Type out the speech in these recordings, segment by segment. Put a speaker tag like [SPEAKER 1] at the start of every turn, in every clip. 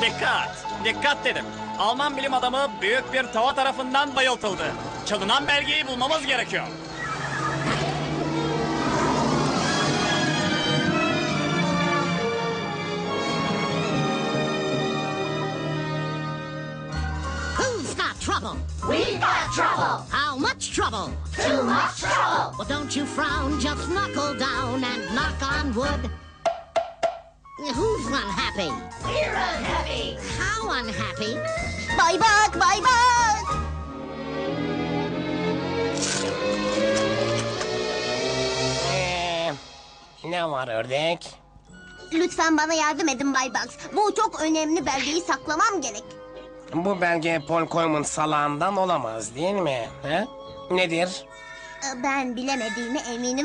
[SPEAKER 1] Dikkat! Dikkat dedim. Alman bilim adamı büyük bir tava tarafından bayıltıldı. Çalınan belgeyi bulmamız gerekiyor.
[SPEAKER 2] Who's got trouble?
[SPEAKER 3] We got trouble.
[SPEAKER 2] How much trouble?
[SPEAKER 3] Too much trouble.
[SPEAKER 2] Well, don't you frown, just knuckle down and knock on wood. Who's unhappy?
[SPEAKER 3] We're unhappy.
[SPEAKER 2] How unhappy?
[SPEAKER 4] Bay Bak, Bay Bak.
[SPEAKER 5] Ne var ördek?
[SPEAKER 4] Lütfen bana yardım edin Bay Bak. Bu çok önemli belgeyi saklamam gerek.
[SPEAKER 5] Bu belge Paul Coleman salağından olamaz değil mi? He? Nedir?
[SPEAKER 4] Ben bilemediğime eminim.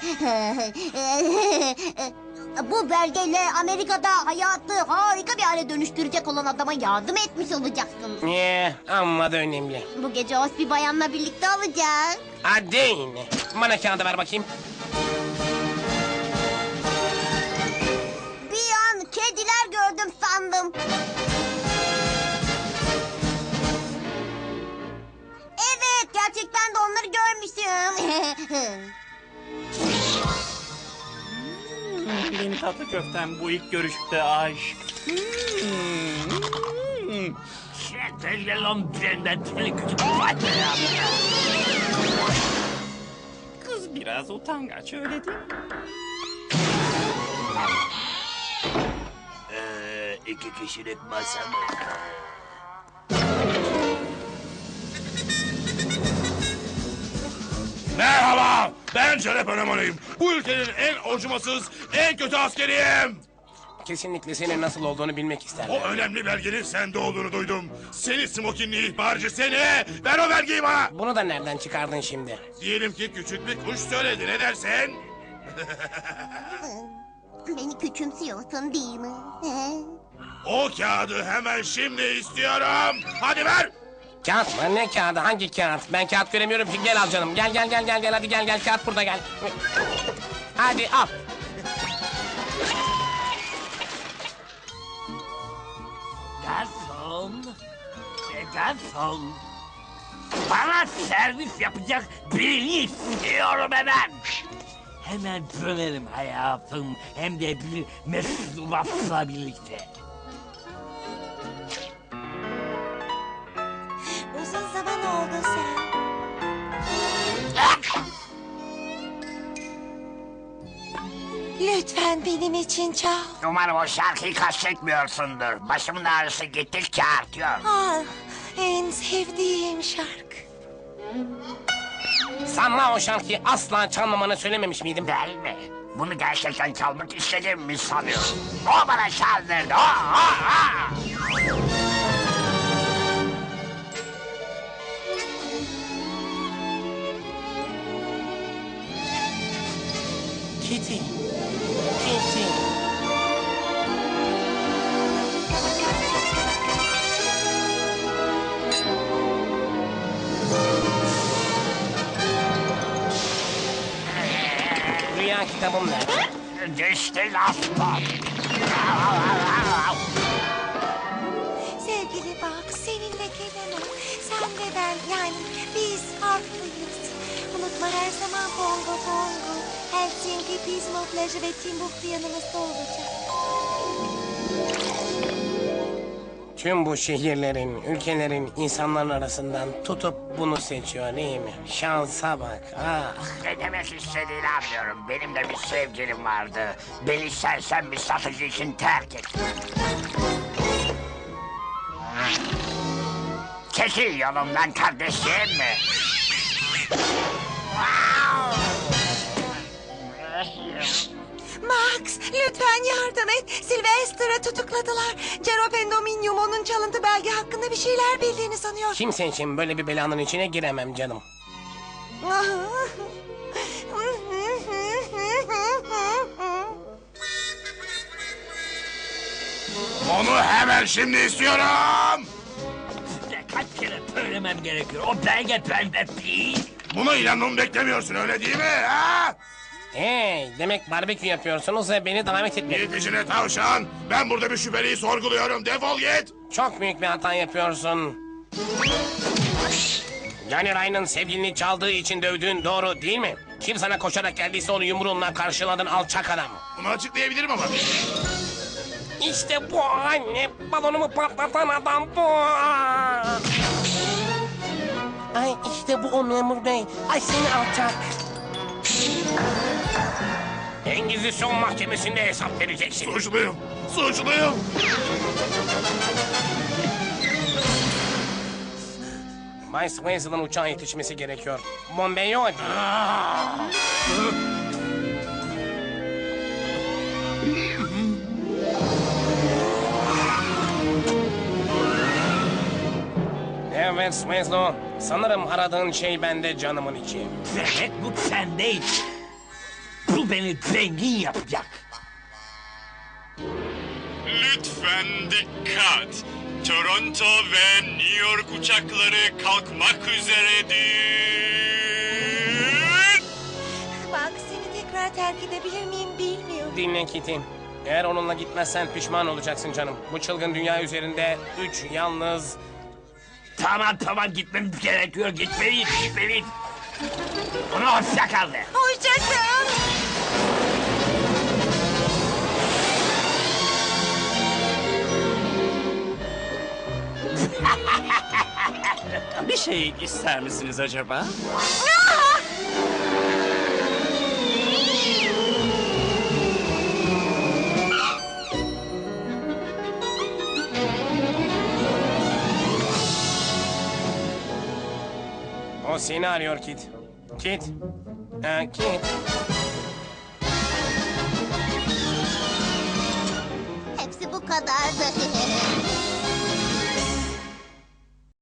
[SPEAKER 4] Bu belgeyle Amerika'da hayatı harika bir hale dönüştürecek olan adama yardım etmiş olacaksın.
[SPEAKER 5] Amma da önemli.
[SPEAKER 4] Bu gece hoş bir bayanla birlikte olacak.
[SPEAKER 5] Hadi yine. Bana kağıdı ver bakayım.
[SPEAKER 4] Bir an kediler gördüm sandım. Evet, gerçekten de onları görmüşüm.
[SPEAKER 1] Benim tatlı köftem bu ilk görüşte aşk. Kız biraz utangaç öyle değil mi?
[SPEAKER 6] İki kişilik masa mı?
[SPEAKER 7] Merhaba, ben Şeref Öneman'ıyım. Bu ülkenin en acımasız, en kötü askeriyim.
[SPEAKER 5] Kesinlikle senin nasıl olduğunu bilmek isterdim.
[SPEAKER 7] O önemli belgenin sende olduğunu duydum. Seni smokinli ihbarcı seni! Ver o belgeyi bana!
[SPEAKER 5] Bunu da nereden çıkardın şimdi?
[SPEAKER 7] Diyelim ki küçük bir kuş söyledi, ne dersin?
[SPEAKER 4] Beni küçümsüyorsun değil mi?
[SPEAKER 7] O kağıdı hemen şimdi istiyorum. Hadi ver!
[SPEAKER 5] Kağıt mı? Ne kağıdı? Hangi kağıt? Ben kağıt göremiyorum ki. Gel al canım. Gel hadi gel kağıt burada gel. Hadi al.
[SPEAKER 6] Garson. Garson. Bana servis yapacak birini istiyorum hemen. Hemen dönerim hayatım. Hem de bir mesulatla birlikte.
[SPEAKER 8] Uzun zaman oldu sen. Lütfen benim için çal.
[SPEAKER 6] Umarım o şarkıyı kastetmiyorsundur. Başımın ağrısı gittikçe artıyor.
[SPEAKER 8] Ah, en sevdiğim şarkı.
[SPEAKER 5] Sana o şarkıyı asla çalmamanı söylememiş miydim?
[SPEAKER 6] Değil mi? Bunu gerçekten çalmak istediğimi mi sanıyorsun? O bana çaldırdı. O.
[SPEAKER 5] Kitty. Kitty. Rüya kitabım nerede?
[SPEAKER 6] Düştü laftan.
[SPEAKER 8] Sevgili Bak, seninle gelemem. Sen ve ben, yani biz farklıyız. Unutma her zaman bongo bongo. Helsinki, Pismo plajı ve Timbuktu yanımızda olacak.
[SPEAKER 5] Tüm bu şehirlerin, ülkelerin, insanların arasından tutup bunu seçiyor değil mi? Şansa bak. Ah.
[SPEAKER 6] Ne demek istediğini anlıyorum. Benim de bir sevgilim vardı. Beni sersem bir satıcı için terk etti. Çekil yolumdan kardeşim mi?
[SPEAKER 8] Max, lütfen yardım et. Sylvester'ı tutukladılar. Cero Pendominium onun çalıntı belge hakkında bir şeyler bildiğini sanıyor.
[SPEAKER 5] Kimse için böyle bir belanın içine giremem canım.
[SPEAKER 7] Onu hemen şimdi istiyorum.
[SPEAKER 6] Kaç kere söylemem gerekiyor. O belge bende değil.
[SPEAKER 7] Buna inanmamı beklemiyorsun öyle değil mi? Ha?
[SPEAKER 5] Hey, demek barbekü yapıyorsunuz ve beni davet etmediniz.
[SPEAKER 7] Git işine tavşan. Ben burada bir şüpheliyi sorguluyorum. Defol git.
[SPEAKER 5] Çok büyük bir hata yapıyorsun. Johnny Ryan'ın sevgilini çaldığı için dövdüğün doğru değil mi? Kim sana koşarak geldiyse onu yumruğunla karşıladın alçak adam.
[SPEAKER 7] Bunu açıklayabilirim ama.
[SPEAKER 5] İşte bu anne, balonumu patlatan adam bu. Ay işte bu o memur bey. Ay seni alçak. Engizisyon mahkemesinde hesap vereceksin.
[SPEAKER 7] Suçluyum. Suçluyum.
[SPEAKER 5] Bay Swainsel'ın uçağa yetişmesi gerekiyor. Bombeyo hadi. Evet Swanslow, sanırım aradığın şey bende canımın içi.
[SPEAKER 9] Demek bu sendeydi. Bu beni zengin yapacak.
[SPEAKER 10] Lütfen dikkat. Toronto ve New York uçakları kalkmak üzeredir.
[SPEAKER 8] Bak seni tekrar terk edebilir miyim bilmiyorum.
[SPEAKER 5] Dinle Kitty. Eğer onunla gitmezsen pişman olacaksın canım. Bu çılgın dünya üzerinde 3 yalnız...
[SPEAKER 9] Tamam gitmemiz gerekiyor. Gitmeliyiz. Ona hoşça kal de.
[SPEAKER 8] Hoşça kal.
[SPEAKER 1] Bir şey ister misiniz acaba?
[SPEAKER 5] O seni arıyor Kit. Kit. Kit.
[SPEAKER 4] Hepsi bu kadardı.